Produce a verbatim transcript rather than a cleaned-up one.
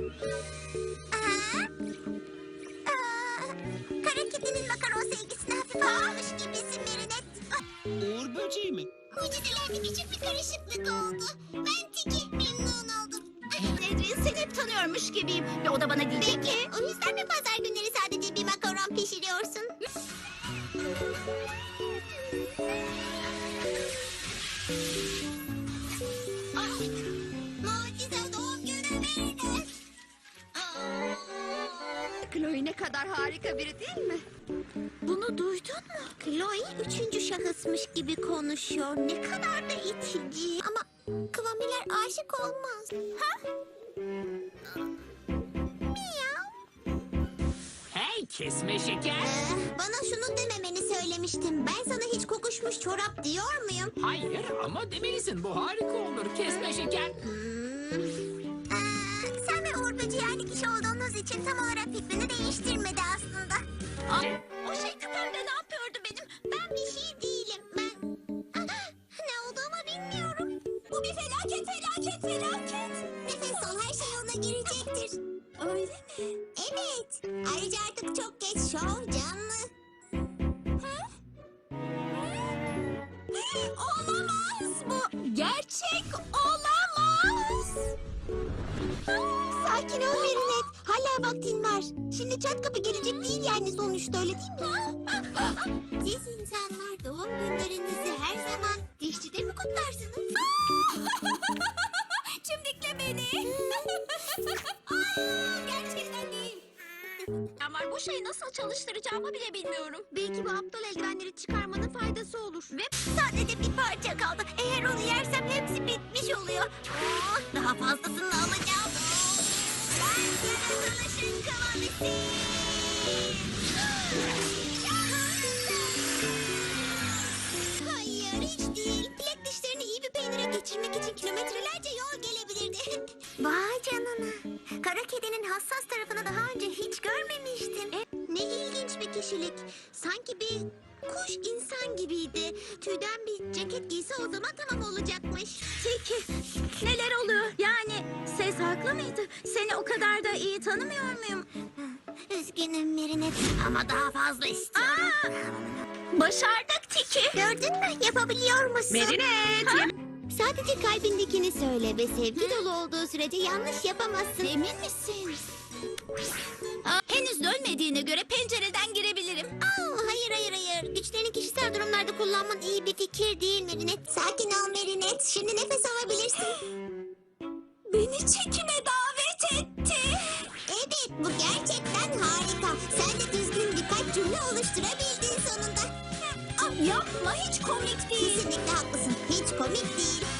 Aa, aa, kara kedinin makaron sevgisine hafif almış gibisin Merinet. Uğur böceği mi? Mucizelerde küçük bir karışıklık oldu. Ben Tiki, memnun oldum. Edrin, seni hep tanıyormuş gibiyim. Ve o da bana diyecek ki... O yüzden mi pazar günleri sadece bir makaron pişiriyorsun? Ah, mucize doğum günü Merinet. Chloe ne kadar harika biri değil mi? Bunu duydun mu? Chloe üçüncü şahısmış gibi konuşuyor. Ne kadar da itici. Ama Kıvamiler aşık olmaz. Ha? Miyav. Hey kesme şeker. Ee, bana şunu dememeni söylemiştim. Ben sana hiç kokuşmuş çorap diyor muyum? Hayır ama demelisin, bu harika olur kesme şeker. Hmm. Ee, sen ve Uğur Böceği aynı kişi olduğunuz için tam olarak fikrini değiştirmedi aslında. Aa, O şey küpemde ne yapıyordu benim? Ben bir şey değilim. Ben Ah, ne olduğumu bilmiyorum. Bu bir felaket, felaket, felaket. Nefes al, her şey yoluna girecektir. Öyle mi? Evet. Ayrıca artık çok geç, şov canlı. Ha? Olamaz bu. Gerçek olamaz. Sakin ol Merinet. Hala vaktin var. Şimdi çat kapı gelecek değil yani sonuçta, öyle değil mi? Siz insanlar doğum günlerinizi her zaman dişçide mi kutlarsınız? Çimdikle beni. Ay, gerçekten değil. Ama bu şeyi nasıl çalıştıracağımı bile bilmiyorum. Belki bu aptal eldivenleri çıkarmanın faydası olur. Ve Sadece bir parça kaldı. Eğer onu yersem hepsi bitmiş oluyor. Aa, daha fazlasını alacağım. Ben yaratılışın kıvamisi. Hayır, hiç değil. Bilek dişlerini iyi bir peynire geçirmek için kilometrelerce yol gelebilirdi. Vay canına. Kara kedinin hassas tarafını daha önce hiç görmemiştim. E, ne ilginç bir kişilik. Sanki bir kuş insan gibiydi. Tüyden bir ceket giyse o zaman tamam olacakmış. Tiki, neler oluyor? Yani ses haklı mıydı? Seni o kadar da iyi tanımıyor muyum? Üzgünüm Merinet ama daha fazla istiyorum. Aa, başardık Tiki. Gördün mü? Yapabiliyor musun? Merinet. Sadece kalbindekini söyle ve sevgi dolu olduğu sürece yanlış yapamazsın. Emin misin? Aa, henüz dönmediğine göre pencereden girebilirim. Aa, hayır hayır hayır. Güçlerini kişisel durumlarda kullanman iyi bir fikir değil Merinet. Sakin ol Merinet. Şimdi nefes alabilirsin. Beni çekime davet etti. Evet, bu gerçekten harika. Sen de düzgün birkaç cümle oluşturabildin sonunda. Ah, yapma, hiç komik değil. Kesinlikle haklısın. Hiç komik değil.